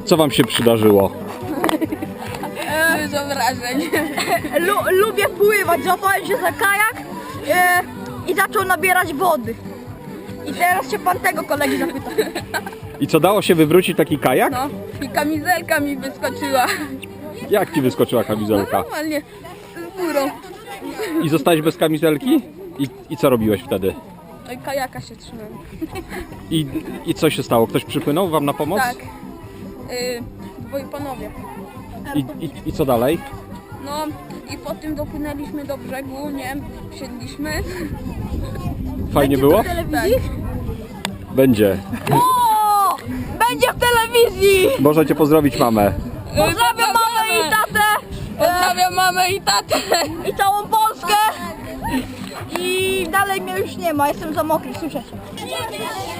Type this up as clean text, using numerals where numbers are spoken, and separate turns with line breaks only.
Co wam się przydarzyło?
Dużo wrażeń.
Lubię pływać, złapałem się za kajak i zaczął nabierać wody. I teraz się pan tego kolegi zapyta.
I co, dało się wywrócić taki kajak?
No i kamizelka mi wyskoczyła.
Jak ci wyskoczyła kamizelka?
Normalnie z górą.
I zostałeś bez kamizelki? I co robiłeś wtedy?
No i kajaka się trzymałem.
I co się stało? Ktoś przypłynął wam na pomoc?
Tak. Dwoi panowie.
I co dalej?
No i potem dopłynęliśmy do brzegu, nie? Wsiedliśmy.
Fajnie było?
W telewizji?
Będzie.
O! Będzie w telewizji!
Możecie pozdrowić mamę.
Pozdrawiam mamę i tatę!
Pozdrawiam mamę i tatę.
I całą Polskę! I dalej mnie już nie ma, jestem za mokry, słyszycie?